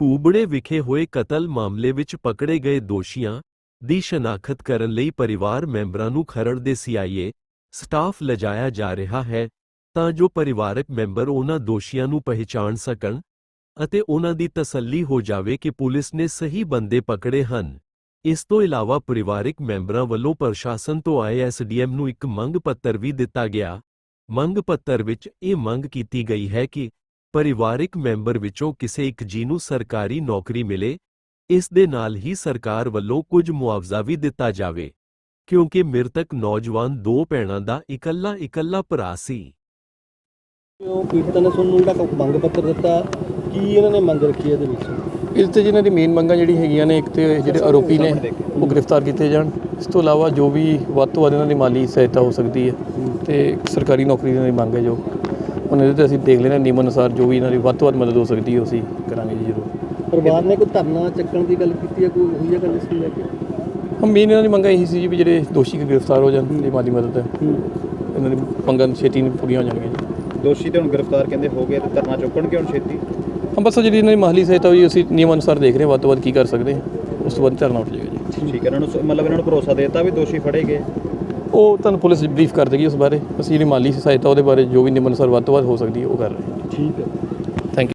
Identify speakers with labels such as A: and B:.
A: ਕੂਬੜੇ ਵਿਖੇ ਹੋਏ ਕਤਲ ਮਾਮਲੇ ਵਿੱਚ ਪਕੜੇ ਗਏ ਦੋਸ਼ੀਆਂ ਦੀ ਸ਼ਨਾਖਤ ਕਰਨ ਲਈ ਪਰਿਵਾਰ ਮੈਂਬਰਾਂ ਨੂੰ ਖਰੜ ਦੇ ਸੀਆਈਏ ਸਟਾਫ ਲਿਜਾਇਆ ਜਾ ਰਿਹਾ ਹੈ ਤਾਂ ਜੋ ਪਰਿਵਾਰਕ ਮੈਂਬਰ ਉਹਨਾਂ ਦੋਸ਼ੀਆਂ ਨੂੰ ਪਹਿਚਾਣ ਸਕਣ ਅਤੇ ਉਹਨਾਂ ਦੀ ਤਸੱਲੀ ਹੋ ਜਾਵੇ ਕਿ ਪੁਲਿਸ ਨੇ ਸਹੀ ਬੰਦੇ ਪਕੜੇ ਹਨ। ਇਸ ਤੋਂ ਇਲਾਵਾ ਪਰਿਵਾਰਕ ਮੈਂਬਰਾਂ ਵੱਲੋਂ ਪ੍ਰਸ਼ਾਸਨ ਤੋਂ ਆਏ ਐਸਡੀਐਮ ਨੂੰ ਇੱਕ ਮੰਗ ਪੱਤਰ ਵੀ ਦਿੱਤਾ ਗਿਆ। ਮੰਗ ਪੱਤਰ ਵਿੱਚ ਇਹ ਮੰਗ ਕੀਤੀ ਗਈ ਹੈ ਕਿ ਪਰਿਵਾਰਕ ਮੈਂਬਰ ਵਿੱਚੋਂ ਕਿਸੇ ਇੱਕ ਜੀ ਨੂੰ ਸਰਕਾਰੀ ਨੌਕਰੀ ਮਿਲੇ। ਇਸ ਦੇ ਨਾਲ ਹੀ ਸਰਕਾਰ ਵੱਲੋਂ ਕੁਝ ਮੁਆਵਜ਼ਾ ਵੀ ਦਿੱਤਾ ਜਾਵੇ ਕਿਉਂਕਿ ਮ੍ਰਿਤਕ ਨੌਜਵਾਨ ਦੋ ਭੈਣਾਂ ਦਾ ਇਕੱਲਾ ਭਰਾ ਸੀ।
B: ਪੀੜਤਾਂ ਨੇ ਤੁਹਾਨੂੰ ਜਿਹੜਾ ਮੰਗ ਪੱਤਰ ਦਿੱਤਾ, ਕੀ ਇਹਨਾਂ ਨੇ ਮੰਗ ਰੱਖੀ ਇਹਦੇ ਵਿੱਚ?
C: ਇਸ ਤੇ ਜਿਹਨਾਂ ਦੀ ਮੇਨ ਮੰਗਾਂ ਜਿਹੜੀ ਹੈਗੀਆਂ ਨੇ, ਇੱਕ ਤੇ ਜਿਹੜੇ ਆਰੋਪੀ ਨੇ ਉਹ ਗ੍ਰਿਫਤਾਰ ਕੀਤੇ ਜਾਣ। ਇਸ ਤੋਂ ਇਲਾਵਾ ਜੋ ਵੀ ਵੱਧ ਤੋਂ ਵੱਧ ਇਹਨਾਂ ਦੀ ਮਾਲੀ ਸਹਾਇਤਾ ਹੋ ਸਕਦੀ ਹੈ ਤੇ ਸਰਕਾਰੀ ਨੌਕਰੀ ਦੀ ਮੰਗ ਹੈ ਜੋ ਉਹਨਾਂ ਦੇ ਤੇ ਅਸੀਂ ਦੇਖ ਲੈਣਾ ਨਿਯਮ ਅਨੁਸਾਰ ਜੋ ਵੀ ਇਹਨਾਂ ਦੀ ਵੱਧ ਤੋਂ ਵੱਧ ਮਦਦ ਹੋ ਸਕਦੀ ਹੈ ਅਸੀਂ ਕਰਾਂਗੇ ਜੀ ਜ਼ਰੂਰ।
B: ਪਰਿਵਾਰ ਨੇ ਕੋਈ ਧਰਨਾ ਚੱਕਣ ਦੀ ਗੱਲ ਕੀਤੀ ਹੈ, ਕੋਈ ਹੋਈ ਹੈ ਗੱਲ ਇਸ ਨੂੰ ਲੈ ਕੇ?
C: ਮੇਨ ਇਹਨਾਂ ਦੀ ਮੰਗਾਂ ਇਹੀ ਸੀ ਜੀ ਵੀ ਜਿਹੜੇ ਦੋਸ਼ੀ ਗ੍ਰਿਫਤਾਰ ਹੋ ਜਾਣ, ਜੇ ਮਾਲੀ ਮਦਦ ਹੈ ਇਹਨਾਂ ਦੀ ਮੰਗਾਂ ਛੇਤੀ ਪੂਰੀਆਂ ਹੋ ਜਾਣਗੀਆਂ ਜੀ।
D: ਦੋਸ਼ੀ ਤੇ ਹੁਣ ਗ੍ਰਿਫਤਾਰ ਕਹਿੰਦੇ ਹੋ ਗਏ ਤੇ ਧਰਨਾ ਚੁੱਕਣਗੇ ਹੁਣ ਛੇਤੀ?
C: ਬਸ ਜਿਹੜੀ ਇਹਨਾਂ ਦੀ ਮਾਲੀ ਸਹਾਇਤਾ ਹੋਈ ਅਸੀਂ ਨਿਯਮ ਅਨੁਸਾਰ ਦੇਖ ਰਹੇ ਹਾਂ ਵੱਧ ਤੋਂ ਵੱਧ ਕੀ ਕਰ ਸਕਦੇ ਹਾਂ, ਉਸ ਤੋਂ ਬਾਅਦ ਧਰਨਾ ਉੱਠ ਜਾਏਗਾ ਜੀ।
D: ਠੀਕ ਹੈ, ਇਹਨਾਂ ਨੂੰ ਮਤਲਬ ਇਹਨਾਂ ਨੂੰ ਭਰੋਸਾ ਦੇ ਦਿੱਤਾ ਵੀ ਦੋਸ਼ੀ ਫੜੇ ਗਏ?
C: ਉਹ ਤੁਹਾਨੂੰ ਪੁਲਿਸ ਬਰੀਫ ਕਰ ਦੇਗੀ ਉਸ ਬਾਰੇ। ਅਸੀਂ ਜਿਹੜੀ ਮਾਲੀ ਸਹਾਇਤਾ ਉਹਦੇ ਬਾਰੇ ਜੋ ਵੀ ਨਿਯਮ ਅਨੁਸਾਰ ਵੱਧ ਤੋਂ ਵੱਧ ਹੋ ਸਕਦੀ ਹੈ ਉਹ ਕਰ ਰਹੇ ਹਾਂ।
B: ਠੀਕ ਹੈ।